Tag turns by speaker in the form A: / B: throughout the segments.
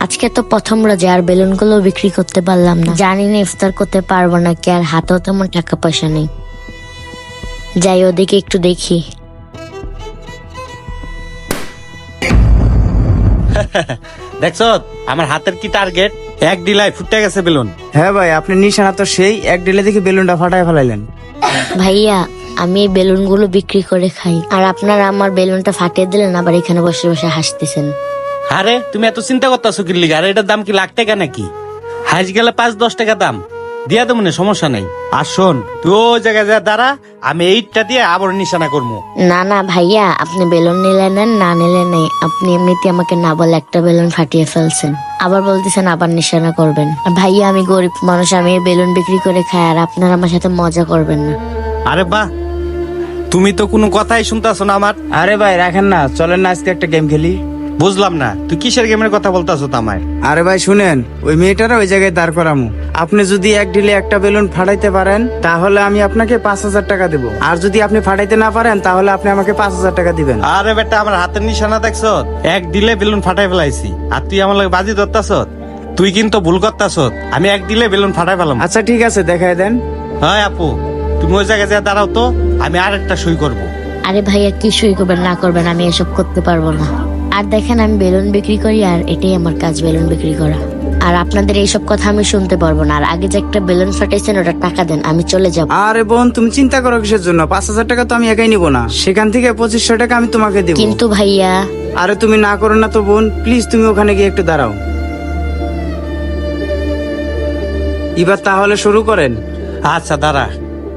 A: আজকে তো প্রথম রোজা আর বেলুন গুলো বিক্রি করতে পারলাম না, জানি না ইফতার করতে পারবো নাকি, আর হাতেও তেমন টাকা পয়সা নেই। যাই ওদিকে একটু দেখি।
B: দেখছো আমার হাতের কি টার্গেট, এক ডিলাই ফুটে গেছে বেলুন।
C: হ্যাঁ ভাই, আপনি নিশানা তো সেই এক ডিলে দেখে বেলুনটা ফাটায় ফেলাইলেন।
A: ভাইয়া আমি এই বেলুন গুলো বিক্রি করে খাই, আর আপনারা আমার বেলুনটা ফাটিয়ে দিলেন, আবার এখানে বসে বসে হাসতেছেন।
B: আরে তুমি এত চিন্তা করতেছো কি লিগা? আর এটার দাম কি লাখ টাকা নাকি? হাইস গেলে 5-10 টাকা দাম দিয়া তো মনে সমস্যা নাই। আর শোন, তুই ওই জায়গায় যা দাঁড়া, আমি এইটা দিয়ে আবার নিশানা করবো।
A: না না ভাইয়া, আপনি বেলুন নিলে নেন, না নিলে নেই। আপনি এমনিতে আমাকে না বলে একটা বেলুন ফাটিয়ে ফেলছেন, আবার বলতেছেন আবার নিশানা করবেন। আর ভাইয়া আমি গরিব মানুষ, আমি এই বেলুন বিক্রি করে খাই, আর আপনারা আমার সাথে মজা করবেন না।
B: আরে বাহ, তুমি তো কোনো কথাই শুনতাছো না আমার।
C: আরে ভাই রাখেন না, চলেন না আজকে একটা গেম খেলি।
B: বুঝলাম না তুই কিসের গেমের কথা বলতাছো আমায়?
C: আরে ভাই শুনেন, ওই মেয়েটারা ওই জায়গায় দাঁড় করামু। আপনি যদি এক ঢিলে একটা বেলুন ফাটাইতে পারেন তাহলে আমি আপনাকে 5,000 টাকা দেবো, আর যদি আপনি ফাটাইতে না পারেন তাহলে আপনি আমাকে 5,000 টাকা দিবেন।
B: আরে বেটা, আমার হাতের নিশানা দেখছ? এক দিলে বেলুন ফাটাই ফেলাইছি, আর তুই আমার লাগে বাজি ধরতাছ। তুই কিন্তু ভুল করতাছ, আমি এক দিলে বেলুন ফাটাই ফেলাম।
C: আচ্ছা ঠিক আছে, দেখাই দেন।
B: হ্যাঁ আপু, তুমি ওই জায়গায় যা দাঁড়াও তো, আমি আরেকটা সই করব।
A: আরে ভাইয়া কি সই করবেন না করবেন, আমি এসব করতে পারবো না। আর দেখেন আমি বেলুন বিক্রি করি, আর এটাই আমার কাজ, বেলুন বিক্রি করা। আর আপনাদের এইসব কথা আমি শুনতে পারবো না। আর আগে যে একটা বেলুন ফাটাইছেন ওটা টাকা দেন, আমি চলে যাব।
C: আরে বোন, তুমি চিন্তা করো কিসের জন্য? 5,000 টাকা তো আমি একাই নিব না, সেখান থেকে 2,500 টাকা আমি তোমাকে দেবো।
A: কিন্তু ভাইয়া।
C: আরে তুমি না করো না তো বোন, প্লিজ তুমি ওখানে গিয়ে একটু দাঁড়াও। এবার তাহলে শুরু করেন।
B: আচ্ছা দাঁড়া।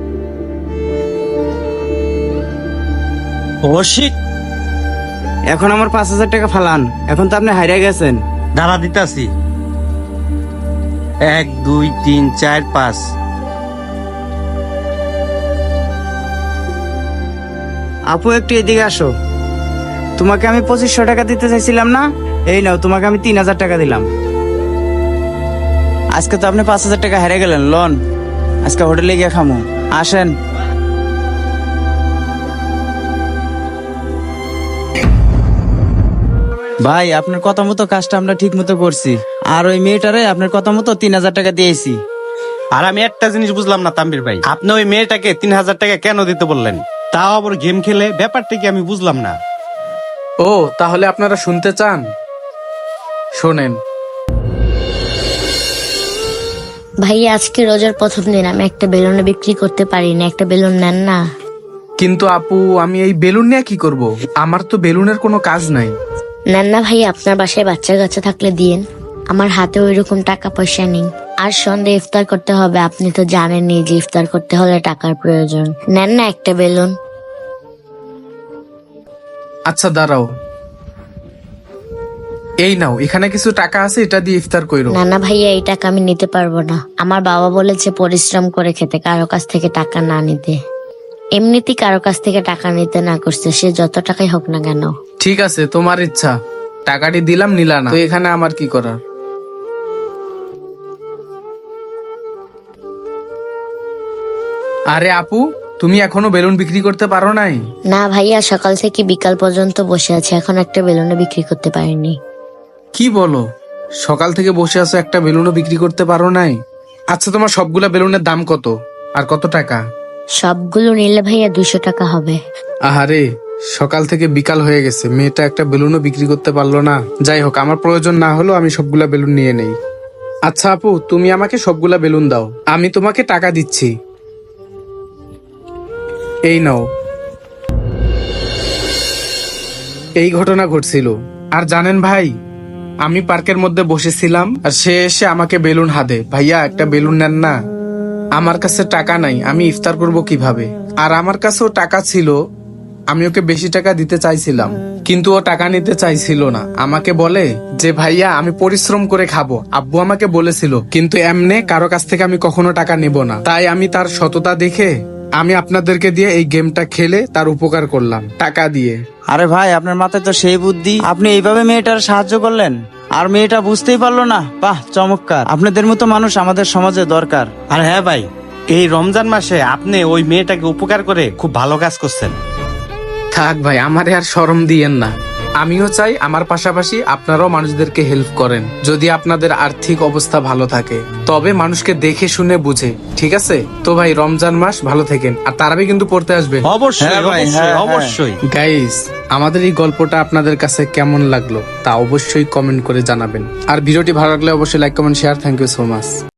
B: ও শিট,
C: এখন আমার 5,000 টাকা ফালান, এখন তো আপনি হারিয়ে গেছেন।
B: দাঁড়া দিতাছি। 1 2 3 4 5।
C: আপু একটু এদিকে আসো। তোমাকে আমি 2,500 টাকা দিতে চাইছিলাম না, এই নাও তোমাকে আমি 3,000 টাকা দিলাম। আজকে তো আপনি 5,000 টাকা হেরে গেলেন। লন, আজকে হোটেলে গিয়ে খামো, আসেন। ভাই আপনার কথা মতো কাজটা আমরা ঠিক মতো করছি, আর ওই মেয়েটারে আপনার কথা মতো 3,000 টাকা দিয়েছি।
B: আর আমি একটা জিনিস বুঝলাম না তাম্বির ভাই, আপনি ওই মেয়েটাকে 3,000 টাকা কেন দিতে বললেন? তাও আবার গেম খেলে, ব্যাপারটা কি আমি বুঝলাম না।
D: ও তাহলে আপনারা শুনতে চান? শোনেন।
A: ভাইয়া আজকে রোজার প্রথম দিন, আমি একটা বেলুন বিক্রি করতে পারি না, একটা বেলুন নেন না।
D: কিন্তু আপু, আমি এই বেলুন নিয়ে কি করব? আমার তো বেলুনের কোনো কাজ নাই।
A: নেন না ভাইয়া, আপনার বাসায় বাচ্চা কাচ্চা থাকলে দিয়েন, আমার হাতে ওই রকম টাকা পয়সা নেই। আর সন্ধ্যে ইফতার করতে হবে, আপনি তো জানেনই যে ইফতার করতে হলে টাকার প্রয়োজন। নেন না একটা বেলুন।
D: আচ্ছা দাঁড়াও, এই নাও, এখানে কিছু টাকা আছে, এটা দিয়ে ইফতার কইরো।
A: না না ভাইয়া, এই টাকা আমি নিতে পারবো না। আমার বাবা বলেছে পরিশ্রম করে খেতে, কারো কাছ থেকে টাকা না নিতে। এমনিতেই কারো কাছ থেকে টাকা নিতে না করছে, সে যত টাকাই হোক না কেন।
D: ঠিক আছে, তোমার ইচ্ছা। টাকাটি দিলাম, নিলা না, তো এখানে আমার কি করার? আরে আপু, তুমি এখনো বেলুন বিক্রি করতে পারো নাই?
A: না ভাইয়া, সকাল থেকে বিকাল পর্যন্ত বসে আছে, এখন একটা বেলুনও বিক্রি করতে পারিনি।
D: কি বলো? সকাল থেকে বসে আছো, একটা বেলুনও বিক্রি করতে পারো নাই? আচ্ছা, তোমার সবগুলা বেলুনের দাম কত, আর কত টাকা?
A: সবগুলো নিলে ভাইয়া 200 টাকা হবে।
D: আহারে, সকাল থেকে বিকাল হয়ে গেছে, মেয়েটা একটা বেলুনও বিক্রি করতে পারলো না। যাই হোক, আমার প্রয়োজন না হলেও আমি সবগুলা বেলুন নিয়ে নেই। আচ্ছা আপু, তুমি আমাকে সবগুলা বেলুন দাও, আমি তোমাকে টাকা দিচ্ছি। এই নাও। এই ঘটনা ঘটছিল। আর জানেন ভাই, আমি পার্কের মধ্যে বসেছিলাম, আর সে এসে আমাকে বেলুন হাতে, ভাইয়া একটা বেলুন নেন না। আমার কাছে টাকা নাই, আমি ইফতার করব কিভাবে? আর আমার কাছেও টাকা ছিল, আমি ওকে বেশি টাকা দিতে চাইছিলাম, কিন্তু ও টাকা নিতে চাইছিল না। আমাকে বলে যে ভাইয়া আমি পরিশ্রম করে খাবো, আব্বু আমাকে বলেছিল, কিন্তু এমনে কারো কাছ থেকে আমি কখনো টাকা নেব না। তাই আমি তার সততা দেখে আমি আপনাদেরকে দিয়ে এই গেমটা খেলে তার উপকার করলাম টাকা দিয়ে।
C: আরে ভাই, আপনার মাথায় তো সেই বুদ্ধি, আপনি এইভাবে মেয়েটার সাহায্য করলেন, আর মেয়েটা বুঝতেই পারলো না। বাহ, চমৎকার! আপনাদের মতো মানুষ আমাদের সমাজে দরকার।
B: আর হ্যাঁ ভাই, এই রমজান মাসে আপনি ওই মেয়েটাকে উপকার করে খুব ভালো কাজ করছেন।
D: থাক ভাই, আমারে আর শরম দিয়েন না। আমিও চাই আমার পাশাপাশি আপনারাও মানুষদেরকে হেল্প করেন, যদি আপনাদের আর্থিক অবস্থা ভালো থাকে। তবে মানুষকে দেখে শুনে বুঝে, ঠিক আছে? তো ভাই রমজান মাস ভালো থাকেন, আর তারাবি কিন্তু পড়তে আসবেন।
B: অবশ্যই
C: হ্যাঁ ভাই,
B: অবশ্যই
C: হ্যাঁ,
B: অবশ্যই।
D: গাইস, আমাদের এই গল্পটা আপনাদের কাছে কেমন লাগলো তা অবশ্যই কমেন্ট করে জানাবেন। আর ভিডিওটি ভালো লাগলে অবশ্যই like comment share. Thank you so much.